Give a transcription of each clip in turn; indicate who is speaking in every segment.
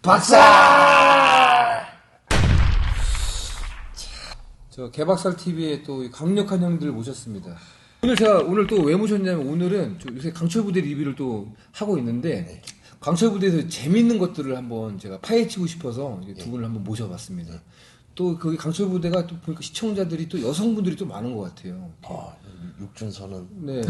Speaker 1: 박살! 저 개박살 TV에 또 강력한 형들 모셨습니다. 오늘 또 왜 모셨냐면 오늘은 요새 강철 부대 리뷰를 또 하고 있는데 강철 부대에서 재밌는 것들을 한번 제가 파헤치고 싶어서 두 분을 한번 모셔봤습니다. 또 거기 강철 부대가 또 보니까 시청자들이 또 여성분들이 또 많은 것 같아요.
Speaker 2: 아, 육준선은.
Speaker 1: 네.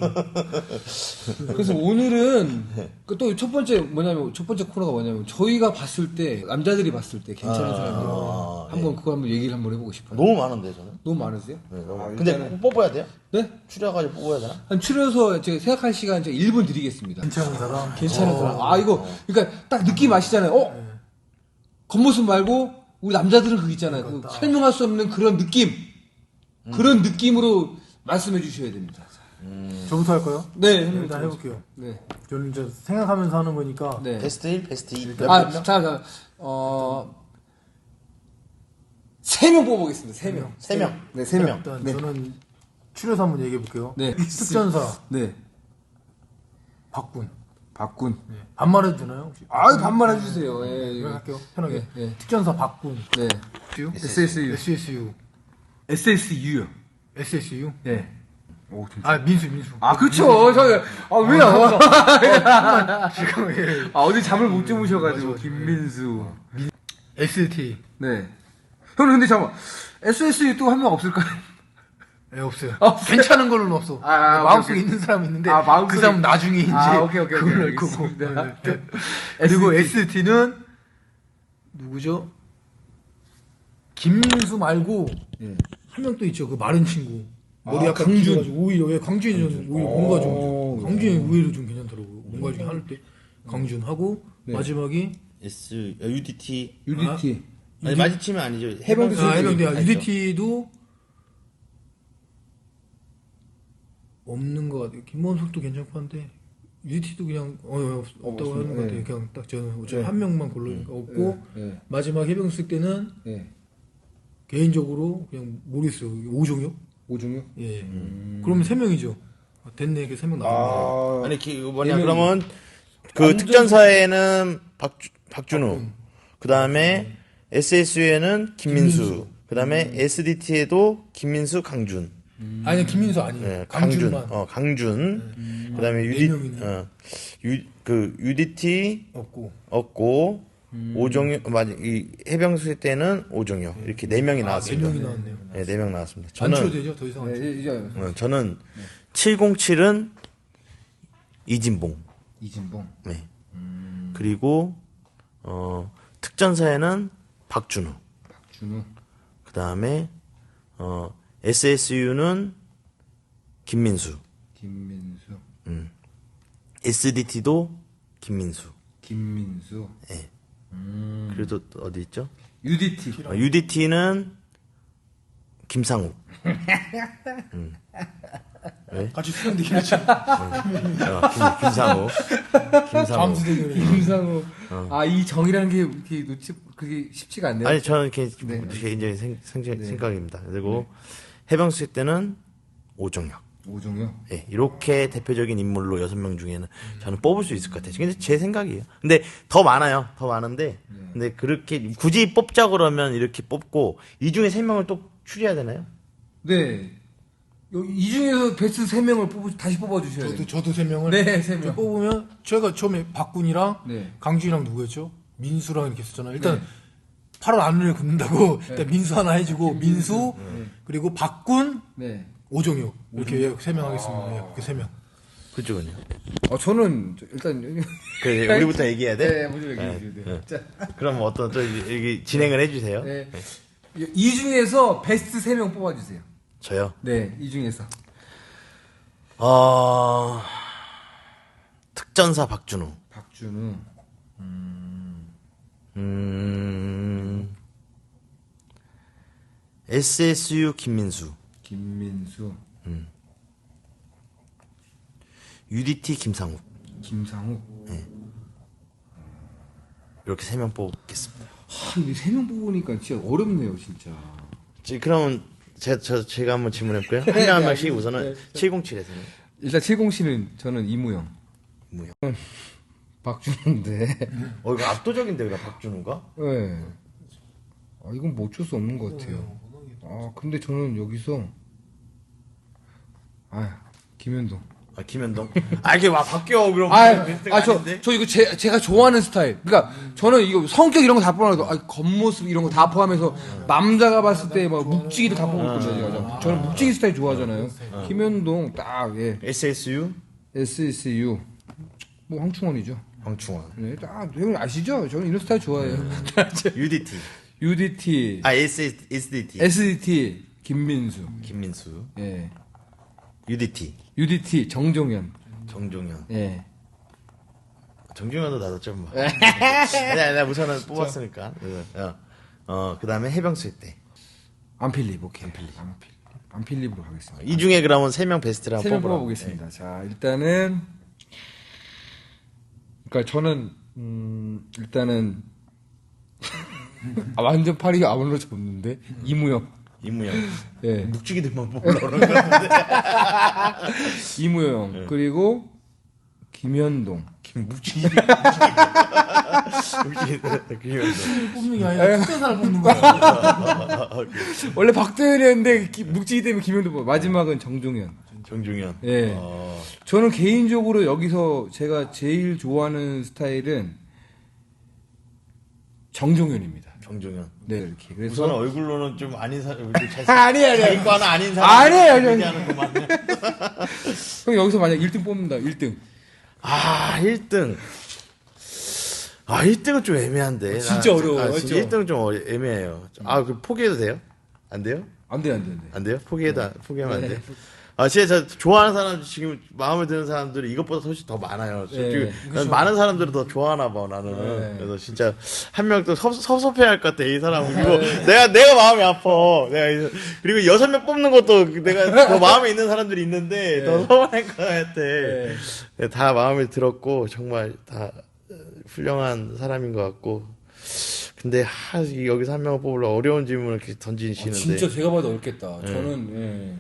Speaker 1: 그래서 오늘은 또 첫 번째 코너가 뭐냐면 저희가 봤을 때 남자들이 봤을 때 괜찮은 사람들 한번 그거 한번 얘기를 한번 해보고 싶어요.
Speaker 2: 너무 많은데 저는.
Speaker 1: 너무 많으세요?
Speaker 2: 네, 너무.
Speaker 1: 일단은...
Speaker 2: 근데 꼭 뽑아야 돼요?
Speaker 1: 네?
Speaker 2: 추려가지고 뽑아야 되나?
Speaker 1: 한 추려서 제가 생각할 시간 제가 1분 드리겠습니다.
Speaker 3: 괜찮은 사람?
Speaker 1: 괜찮은 사람. 아 이거 그러니까 딱 느낌 아시잖아요. 겉모습 말고 우리 남자들은 그거 있잖아요. 그 설명할 수 없는 그런 느낌. 그런 느낌으로 말씀해 주셔야 됩니다.
Speaker 3: 저부터 할까요?
Speaker 1: 네,
Speaker 3: 일단 해볼게요.
Speaker 1: 네.
Speaker 3: 저는 이제 생각하면서 하는 거니까.
Speaker 1: 네.
Speaker 2: 베스트 1, 베스트 2.
Speaker 1: 자, 3명 뽑아보겠습니다. 3명.
Speaker 2: 3명.
Speaker 1: 네, 3명.
Speaker 3: 일단
Speaker 1: 네.
Speaker 3: 저는 추려서 한번 얘기해 볼게요.
Speaker 1: 네.
Speaker 3: 특전사
Speaker 1: 네.
Speaker 3: 박군.
Speaker 1: 박군.
Speaker 3: 네. 반말해도 되나요? 혹시?
Speaker 1: 아유, 반말해 주세요. 예.
Speaker 3: 이거 할게요. 편하게.
Speaker 1: 네.
Speaker 3: 특전사 박군.
Speaker 1: 네. SSU.
Speaker 3: SSU.
Speaker 1: SSU요.
Speaker 3: SSU.
Speaker 1: 네. 오, 진짜.
Speaker 3: 아 민수.
Speaker 1: 아, 그쵸. 왜 나와?
Speaker 3: 지금 예.
Speaker 1: 어제 잠을 못 주무셔가지고. 김민수.
Speaker 3: ST.
Speaker 1: 네. 형님, 근데 잠깐만. SSU 또 한 명 없을까요?
Speaker 3: 예, 없어요.
Speaker 1: 없어요?
Speaker 3: 괜찮은 걸로는 없어. 마음속에 있는 사람이 있는데
Speaker 1: 마음속에...
Speaker 3: 그 사람 나중에 이제
Speaker 1: 오케이.
Speaker 3: 그걸 알 거고. 네. 그리고 ST는 누구죠? 김민수 말고 한 명 또 있죠. 그 마른 친구. 머리 약간
Speaker 1: 강준.
Speaker 3: 오히려 광준이 좀 오히려 뭔가 좀 광준이 의외로 좀 괜찮더라고요. 뭔가 좀 할 때 강준 하고 마지막이
Speaker 2: UDT.
Speaker 1: UDT.
Speaker 2: 아니 마주치면 아니죠.
Speaker 1: 해병대.
Speaker 3: 해병대. UDT도 없는 것 같아요. 김원석도 괜찮고 한데 UDT도 그냥 없다고 하는 것 같아요. 그냥 딱 저는 어차피 한 명만 고르니까 없고 마지막 해병수 때는 개인적으로 그냥 모르겠어요. 오종혁? 예. 그러면 3명이죠. 됐네. 이렇게 3명 나왔네.
Speaker 2: 아니 그러면 그 특전사에는 박준우. 그다음에 SSU에는 김민수. 그다음에 SDT에도 김민수, 강준.
Speaker 3: 아니 김민수 아니에요.
Speaker 2: 네,
Speaker 3: 강준만.
Speaker 2: 강준. 그다음에 UDT 없고 오종혁 이 해병수 때는 오종혁 이렇게 4명이 나왔습니다.
Speaker 3: 4명이 나왔네요.
Speaker 2: 네, 4명 나왔습니다.
Speaker 3: 안 치워도 되죠? 더 이상.
Speaker 2: 저는 707은 이진봉. 네. 그리고 특전사에는 박준우. 그다음에 SSU는 김민수. SDT도 김민수. 네. 그래도 어디 있죠? UDT는 김상욱. 왜?
Speaker 3: 같이 수련되긴 했죠.
Speaker 2: 김상욱.
Speaker 1: 김상우. 이 정이라는 게 그게 쉽지가 않네요.
Speaker 2: 아니, 저는 개인적인 생각입니다. 그리고 해병수 때는 오종혁. 네, 이렇게 대표적인 인물로 6명 중에는 저는 뽑을 수 있을 것 같아요. 근데 제 생각이에요. 근데 더 많아요. 더 많은데. 근데 그렇게 굳이 뽑자 그러면 이렇게 뽑고 이 중에 3명을 또 추려야 되나요?
Speaker 1: 네. 이 중에서 베스트 3명을 다시 뽑아주셔야 돼요.
Speaker 3: 저도 3명을.
Speaker 1: 네, 3명.
Speaker 3: 뽑으면 제가 처음에 박군이랑 강준이랑 누구였죠? 민수랑 이렇게 했었잖아요. 일단 8월 안을 굽는다고 일단 민수 하나 해주고 민수 그리고 박군 오종혁 이렇게 3명 하겠습니다. 이렇게 3명.
Speaker 2: 그쪽은요?
Speaker 1: 저는 일단
Speaker 2: 우리부터 얘기해야 돼?
Speaker 1: 네, 먼저 얘기해 주세요.
Speaker 2: 네. 자, 그럼 어떤 또 여기 진행을 해주세요.
Speaker 1: 네. 이 중에서 베스트 3명 뽑아주세요.
Speaker 2: 저요?
Speaker 1: 네, 이 중에서.
Speaker 2: 특전사 박준우. SSU 김민수. UDT 김상욱. 네. 이렇게 3명 뽑겠습니다.
Speaker 1: 근데 3명 뽑으니까 진짜 어렵네요, 진짜.
Speaker 2: 그러면 제가 한번 질문해볼까요? 한 명 한 명씩 우선은 707에서는.
Speaker 1: 일단 707은 저는 이무영. 박준호인데.
Speaker 2: 이거 압도적인데, 그래, 박준호가?
Speaker 1: 네. 이건 뭐 어쩔 수 없는 것 같아요. 근데 저는 여기서, 김현동.
Speaker 2: 김현동? 이게 와, 바뀌어, 그럼.
Speaker 1: 저 이거 제가 좋아하는 스타일. 그러니까, 저는 이거 성격 이런 거 다 포함해서, 겉모습 이런 거 다 포함해서, 남자가 봤을 때 막 묵직이도 다 포함했거든요. 저는 묵직이 스타일 좋아하잖아요. 김현동, 딱, 예.
Speaker 2: SSU?
Speaker 1: SSU. 뭐, 황충원이죠.
Speaker 2: 황충원.
Speaker 1: 네, 형님 아시죠? 저는 이런 스타일 좋아해요.
Speaker 2: UDT.
Speaker 1: UDT.
Speaker 2: SDT.
Speaker 1: SDT. 김민수. 예. UDT. 정종현. 예.
Speaker 2: 정종현도 나도 좀 봐. 내가 우선은 뽑았으니까. 그 다음에 해병수 때.
Speaker 1: 안필립, 오케이. 안필립으로 가겠습니다.
Speaker 2: 이 중에 그러면 3명 베스트를 한번
Speaker 1: 3명 뽑아보겠습니다. 네. 자, 일단은, 그러니까 저는, 일단은, 완전 팔이 아무로 접는데, 이무영. 예.
Speaker 2: 묵직이들만 뽑으려고 그러는 건데.
Speaker 1: 이무영. 그리고, 김현동.
Speaker 2: 묵직이.
Speaker 3: 뽑는 게 아니라 특별한 사람 뽑는 거야.
Speaker 1: 원래 박도현이었는데, 묵직이 때문에 김현동 뽑아. 마지막은 정종현. 예. 저는 개인적으로 여기서 제가 제일 좋아하는 스타일은 정종현입니다. 네, 이렇게. 그래서
Speaker 2: 우선 얼굴로는 좀 아닌 사람,
Speaker 1: 아니에요.
Speaker 2: 자기 아닌 사람.
Speaker 1: 아니에요.
Speaker 2: 형
Speaker 1: 여기서 만약 1등 뽑는다. 1등.
Speaker 2: 1등. 1등은 좀 애매한데.
Speaker 1: 진짜 어려워요.
Speaker 2: 1등은 좀 애매해요. 그 포기해도 돼요? 안 돼요?
Speaker 1: 안 돼요.
Speaker 2: 안 돼요? 포기하면 안 돼요? 진짜 좋아하는 사람, 지금 마음에 드는 사람들이 이것보다 훨씬 더 많아요. 지금 많은 사람들을 더 좋아하나 봐, 나는. 그래서 진짜 한 명 또 섭섭해야 할 것 같아, 이 사람은. 이거 내가 마음이 아파. 그리고 6명 뽑는 것도 내가 더 마음에 있는 사람들이 있는데 더 서운할 것 같아. 다 마음에 들었고, 정말 다 훌륭한 사람인 것 같고. 근데 여기서 한 명을 뽑으려 어려운 질문을 이렇게 던지시는데.
Speaker 1: 진짜 제가 봐도 어렵겠다. 저는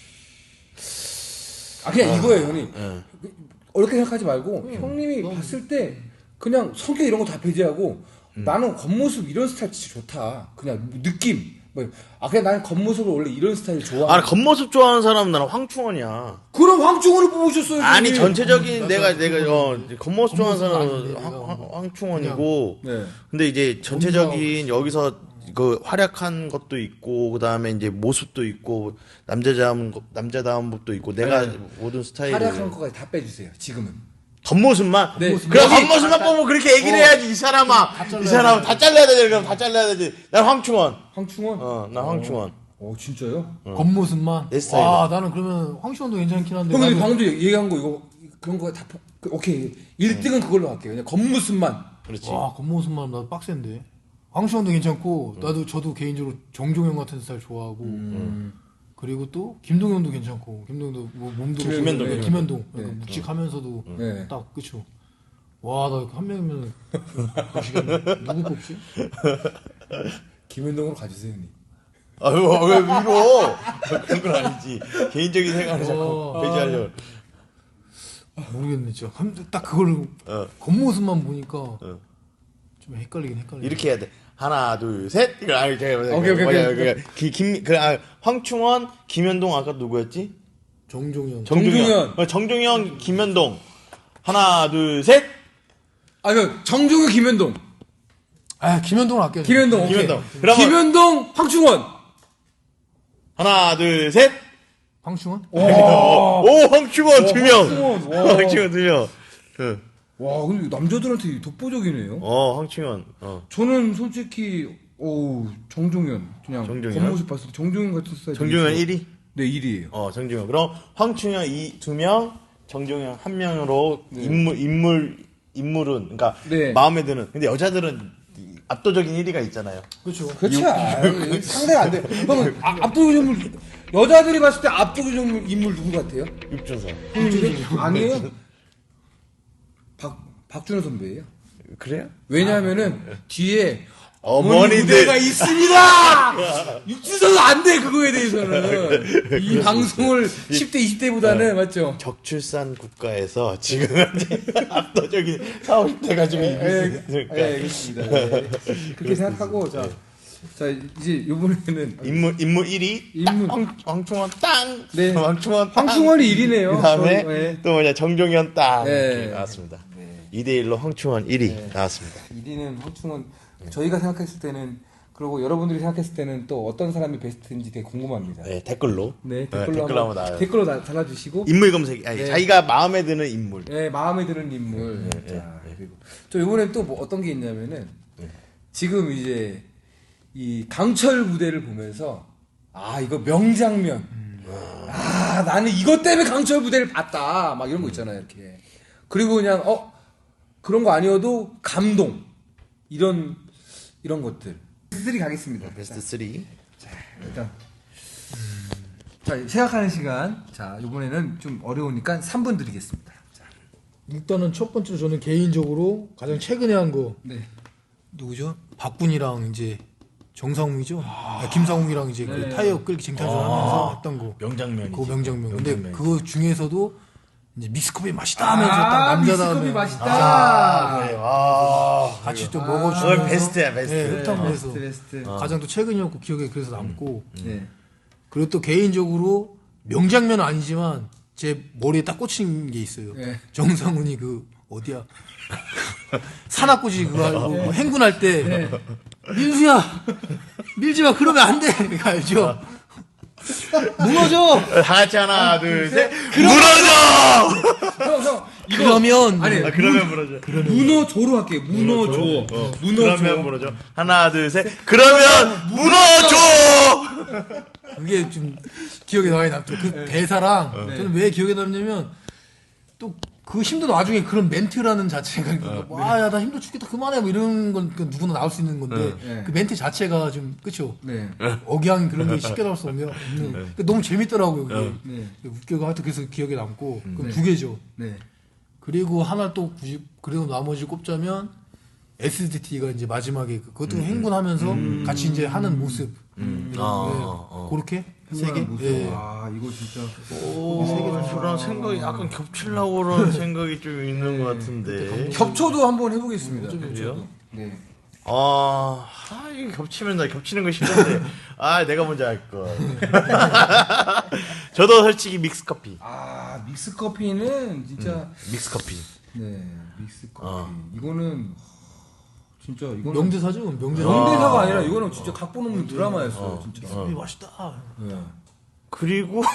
Speaker 1: 그냥 이거예요, 형님. 어렵게 생각하지 말고 형님이 봤을 때 그냥 성격 이런 거 다 배제하고 나는 겉모습 이런 스타일 진짜 좋다. 그냥 느낌. 그냥 나는 겉모습을 원래 이런 스타일 좋아.
Speaker 2: 겉모습 좋아하는 사람은 나는 황충원이야.
Speaker 1: 그럼 황충원을 뽑으셨어요.
Speaker 2: 형님. 전체적인 내가 겉모습 좋아하는 사람은 황충원이고. 근데 이제 전체적인 여기서 그 활약한 것도 있고, 그 다음에 이제 모습도 있고, 남자다운 것도 있고, 내가 모든 스타일을.
Speaker 1: 활약한 것까지 다 빼주세요, 지금은.
Speaker 2: 겉모습만?
Speaker 1: 네.
Speaker 2: 그래, 겉모습만 뽑으면 그렇게 얘기를 해야지, 이 사람아. 이 사람은 다 잘라야 되지, 그럼 다 잘라야 되지. 난 황충원. 난 황충원.
Speaker 1: 진짜요?
Speaker 3: 겉모습만?
Speaker 2: 내 스타일이야.
Speaker 3: 나는 그러면 황시원도 괜찮긴 한데.
Speaker 1: 형님, 방금 얘기한 거, 그런 거 다, 오케이. 1등은 그걸로 할게요. 그냥 겉모습만.
Speaker 2: 그렇지.
Speaker 3: 겉모습만 나도 빡센데. 황시원도 괜찮고, 저도 개인적으로 정종현 같은 스타일 좋아하고, 그리고 또 김동현도 괜찮고, 김동현도 몸도 김현동. 묵직하면서도 딱 그쵸. 나 한 명이면 누구 뽑지?
Speaker 1: 김현동으로 가주세요, 형님.
Speaker 2: 왜 밀어? 그런 건 아니지. 개인적인 생각을 자꾸 배제하려고.
Speaker 3: 모르겠네, 진짜. 딱 그걸 겉모습만 보니까 좀 헷갈리긴.
Speaker 2: 이렇게 해야 돼. 하나, 둘, 셋. 이거
Speaker 1: 오케이.
Speaker 2: 황충원, 김현동 아까 누구였지?
Speaker 3: 정종현.
Speaker 2: 정종현, 김현동. 하나, 둘, 셋.
Speaker 1: 정종현, 김현동.
Speaker 3: 김현동을 아껴.
Speaker 1: 김현동. 김현동, 황충원.
Speaker 2: 하나, 둘, 셋.
Speaker 3: 황충원?
Speaker 2: 오, 황충원 2명. 황충원 2명.
Speaker 1: 근데 남자들한테 독보적이네요.
Speaker 2: 황충원.
Speaker 1: 저는 솔직히, 정종현. 그냥 겉모습 봤을 때 정종현 같은 스타일.
Speaker 2: 정종현 1위?
Speaker 1: 네, 1위에요.
Speaker 2: 정종현. 그럼 황충현 2명, 정종현 1명으로 인물은, 그러니까 마음에 드는. 근데 여자들은 압도적인 1위가 있잖아요.
Speaker 3: 그렇죠.
Speaker 1: 상대가 안 돼. 그러면 압도적인 인물, 여자들이 봤을 때 압도적인 인물 누구 같아요?
Speaker 2: 육준선.
Speaker 1: 아니에요. 박준호 선배예요.
Speaker 2: 그래요?
Speaker 1: 왜냐하면은 뒤에 어머니 무대가 있습니다. 육지선은 안 돼, 그거에 대해서는. 이 방송을 10대, 20대보다는, 맞죠?
Speaker 2: 적출산 국가에서 지금 현재 압도적인 40, 50대 가지고 있는.
Speaker 1: 알겠습니다. 네. 그렇게 생각하고, 자, 이제 요번에는.
Speaker 2: 인물 1위. 황충원 땅!
Speaker 1: 네.
Speaker 2: 황충원 땅!
Speaker 1: 황충원이 1위네요.
Speaker 2: 그 다음에 또 뭐냐, 정종현 땅!
Speaker 1: 네.
Speaker 2: 이렇게 나왔습니다. 2대1로 황충원 1위 나왔습니다.
Speaker 1: 1위는 황충원. 저희가 생각했을 때는, 그리고 여러분들이 생각했을 때는 또 어떤 사람이 베스트인지 되게 궁금합니다.
Speaker 2: 네, 댓글로.
Speaker 1: 네,
Speaker 2: 댓글로 한번 나와요.
Speaker 1: 댓글로 달아주시고.
Speaker 2: 인물 검색, 아니,
Speaker 1: 네.
Speaker 2: 자기가 마음에 드는 인물.
Speaker 1: 네, 마음에 드는 인물. 자, 그리고 저 이번엔 또 뭐 어떤 게 있냐면은, 지금 이제 이 강철 무대를 보면서, 아, 이거 명장면. 아, 나는 이것 때문에 강철 무대를 봤다. 막 이런 거 있잖아요, 이렇게. 그리고 그냥, 그런 거 아니어도 감동. 이런 것들. 베스트 3 가겠습니다.
Speaker 2: 베스트 3.
Speaker 1: 자, 일단. 자, 생각하는 시간. 자, 이번에는 좀 어려우니까 3분 드리겠습니다. 자.
Speaker 3: 일단은 첫 번째로 저는 개인적으로 가장 최근에 한 거
Speaker 1: 네.
Speaker 3: 누구죠? 박군이랑 이제 정상웅이죠. 김상웅이랑 이제 그 타이어 끌기 쟁탈전하면서 했던 거.
Speaker 2: 명장면이지.
Speaker 3: 그 명장면. 근데 그거 중에서도 이제 믹스커피 맛있다 하면서 딱 남자다움에
Speaker 1: 믹스커피 맛있다.
Speaker 2: 그래. 와.
Speaker 3: 같이 또 먹어주면서
Speaker 2: 그건 베스트야, 베스트.
Speaker 3: 네, 흡탕해서
Speaker 1: 베스트.
Speaker 3: 가장 또 최근이었고 기억에 그래서 남고
Speaker 1: 네.
Speaker 3: 그리고 또 개인적으로 명장면은 아니지만 제 머리에 딱 꽂힌 게 있어요.
Speaker 1: 네.
Speaker 3: 정상훈이 그 어디야 산악고지 그거 알고 행군할 때 민수야 밀지마 그러면 안 돼. 이거 알죠? 무너져.
Speaker 2: 다 같이 하나, 둘, 셋. 무너져!
Speaker 1: 형, 이거
Speaker 3: 그러면
Speaker 1: 아니,
Speaker 2: 그러면 무너져.
Speaker 1: 문어조로 할게요. 문어조.
Speaker 2: 그러면 무너져. 하나, 둘, 셋. 그러면 무너져!
Speaker 3: 그게 좀 기억에 많이 남죠. 그 대사랑 저는 왜 기억에 남냐면 또 그 힘든 와중에 그런 멘트라는 자체가 와야 나 힘들어 죽겠다 그만해 뭐 이런 건 누구나 나올 수 있는 건데 그 멘트 자체가 좀 그쵸?
Speaker 1: 네.
Speaker 3: 억양 그런 게 쉽게 나올 수 없는 너무 재밌더라고요. 그게 웃겨가 하여튼 그래서 기억에 남고 그럼 두 개죠.
Speaker 1: 네.
Speaker 3: 그리고 하나 또 굳이 그래도 나머지 꼽자면 SDT가 이제 마지막에 그것도 행군하면서 같이 이제 하는 모습. 그렇게 세 개. 예.
Speaker 1: 아, 이거 진짜.
Speaker 2: 저랑 생각이 약간 겹치려고 그러는 생각이 좀 있는 것 같은데.
Speaker 1: 겹쳐도 한번 해보겠습니다.
Speaker 2: 그래요?
Speaker 1: 네.
Speaker 2: 이거 겹치면 나 겹치는 거 싫은데. 내가 먼저 할 거. 저도 솔직히 믹스커피.
Speaker 1: 아, 믹스커피는 진짜.
Speaker 2: 믹스커피.
Speaker 1: 네, 믹스커피. 이거는. 진짜 이거는
Speaker 3: 명대사죠.
Speaker 1: 명대사가 아니라 이거는 진짜 각본 없는 드라마였어요. 진짜.
Speaker 3: 맛있다.
Speaker 1: 네.
Speaker 2: 그리고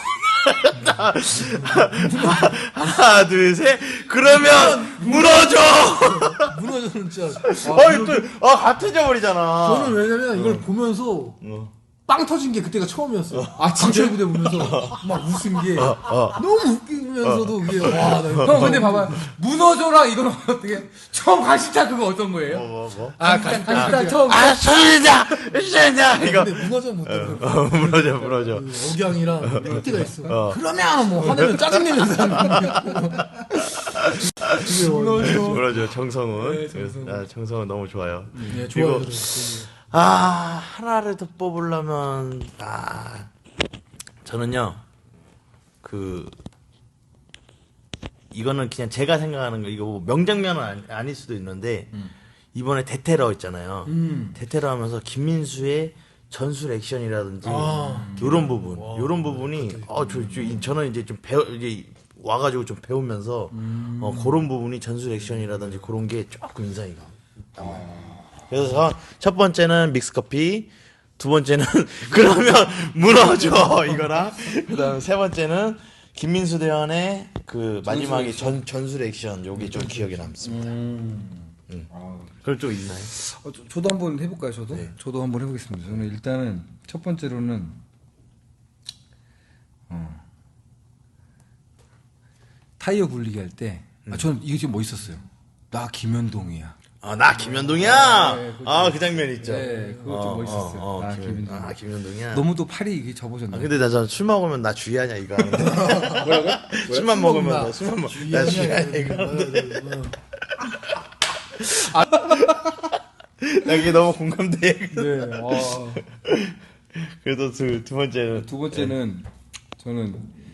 Speaker 2: 하나 둘 셋 그러면 무너져.
Speaker 3: 무너져는 진짜.
Speaker 2: 같은 저버리잖아.
Speaker 3: 저는 왜냐면 이걸 보면서 빵 터진 게 그때가 처음이었어요. 강철 부대 보면서 막 웃은 게 너무 웃기면서도 그게 와.
Speaker 1: 형 근데 봐봐 문어조랑 이거는 어떻게 처음 가시타 그거 어떤 거예요?
Speaker 2: 뭐?
Speaker 1: 가시타 처음.
Speaker 2: 소리다 이거.
Speaker 3: 근데 무너져 못 들어.
Speaker 2: 무너져.
Speaker 3: 억양이랑 멘트가 있어. 그러면 뭐 화내면 짜증내면서
Speaker 2: 무너져. 정성훈. 정성훈 너무 좋아요.
Speaker 3: 네, 좋아요.
Speaker 2: 하나를 더 뽑으려면 저는요 이거는 그냥 제가 생각하는 거 이거 뭐 명장면은 아닐 수도 있는데 이번에 대테러 있잖아요. 대테러 하면서 김민수의 전술 액션이라든지 요런 부분이 저는 이제 좀 이제 와가지고 좀 배우면서 그런 부분이 전술 액션이라든지 그런 게 조금 인상이 남아요. 그래서 첫 번째는 믹스커피, 두 번째는 그러면 무너져 이거랑 그다음에 세 번째는 김민수 대원의 그 마지막에 전술 액션 요게 좀 기억에 남습니다. 그럴 쪽 있나요?
Speaker 1: 저도 한번 해볼까요? 저도 한번 해보겠습니다. 저는 일단은 첫 번째로는 타이어 굴리기 할 때 저는 이게 좀 멋있었어요. 나 김현동이야.
Speaker 2: 나 김현동이야.
Speaker 1: 네,
Speaker 2: 그 장면 있죠.
Speaker 1: 네, 그거 좀 멋있었어요. 나 김현동.
Speaker 2: 김현동이야.
Speaker 1: 너무 또 팔이 이게 접어졌네.
Speaker 2: 근데 나 술 먹으면 나 주의하냐 이거 하는데. 뭐라고? 술만 먹으면 나 주의하냐 이거 하는데. 나 이게 너무 공감돼.
Speaker 1: 네.
Speaker 2: 그래도 두 번째는.
Speaker 1: 두 번째는 저는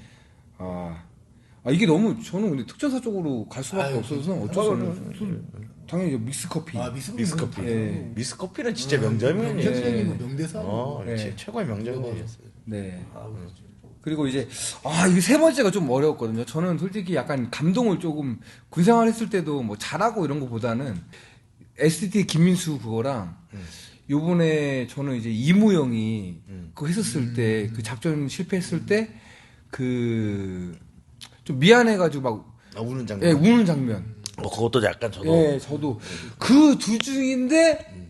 Speaker 1: 이게 너무 저는 근데 특전사 쪽으로 갈 수밖에 없어서 어쩔 수 없는 당연히 믹스 커피.
Speaker 2: 믹스 커피.
Speaker 1: 네.
Speaker 2: 믹스 커피는 진짜 명작이에요.
Speaker 3: 명대사.
Speaker 2: 최고의 명작이었어요.
Speaker 1: 네. 그리고 이제 이게 세 번째가 좀 어려웠거든요. 저는 솔직히 약간 감동을 조금 군생활 했을 때도 뭐 잘하고 이런 거보다는 ST 김민수 그거랑 요번에 저는 이제 이무영이 그거 했었을 때 그 작전 실패했을 때 그 좀 미안해가지고 막
Speaker 2: 우는 장면.
Speaker 1: 예, 우는 장면.
Speaker 2: 그것도 약간 저도.
Speaker 1: 예, 저도 그 두 중인데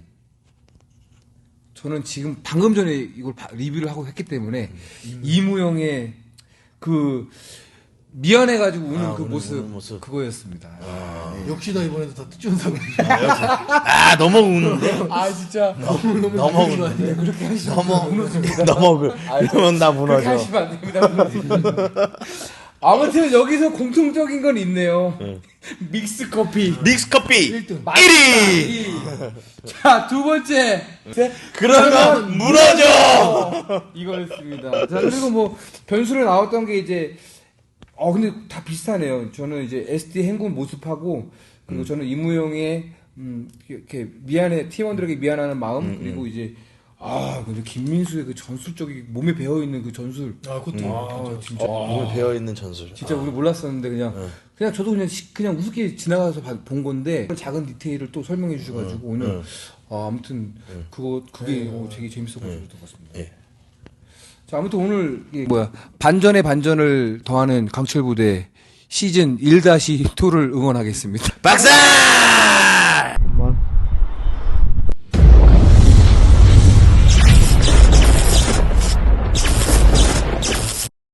Speaker 1: 저는 지금 방금 전에 이걸 리뷰를 하고 했기 때문에 이무영의 그 미안해가지고 우는 그 모습 그거였습니다.
Speaker 3: 역시나 이번에도 다 특전사고.
Speaker 2: 너무 우는데?
Speaker 1: 진짜
Speaker 2: 너무 우는데?
Speaker 1: 그렇게 하시면 무너집니다.
Speaker 2: 이러면 나 무너져.
Speaker 1: 그렇게 하시면 안 됩니다. 아무튼 여기서 공통적인 건 있네요. 믹스 커피.
Speaker 2: 믹스 커피
Speaker 3: 1등.
Speaker 2: 1위!
Speaker 1: 자, 두 번째.
Speaker 2: 그러면 무너져!
Speaker 1: 이거였습니다. 자, 그리고 뭐 변수로 나왔던 게 이제 근데 다 비슷하네요. 저는 이제 SD 행군 모습하고 그리고 저는 이무영의 이렇게 팀원들에게 미안하는 마음 그리고 이제 근데 김민수의 그 전술적인 몸에 배어 있는 그 전술.
Speaker 3: 그것도.
Speaker 1: 진짜.
Speaker 2: 몸에 배어있는 전술.
Speaker 1: 진짜 우리 몰랐었는데 그냥 저도 그냥 우습게 지나가서 본 건데 작은 디테일을 또 설명해 주셔가지고 오늘 아무튼 그게 되게 재밌어가지고 들었습니다.
Speaker 2: 예.
Speaker 1: 자, 아무튼 오늘 반전에 반전을 더하는 강철부대 시즌 1-2를 응원하겠습니다.
Speaker 2: 박사!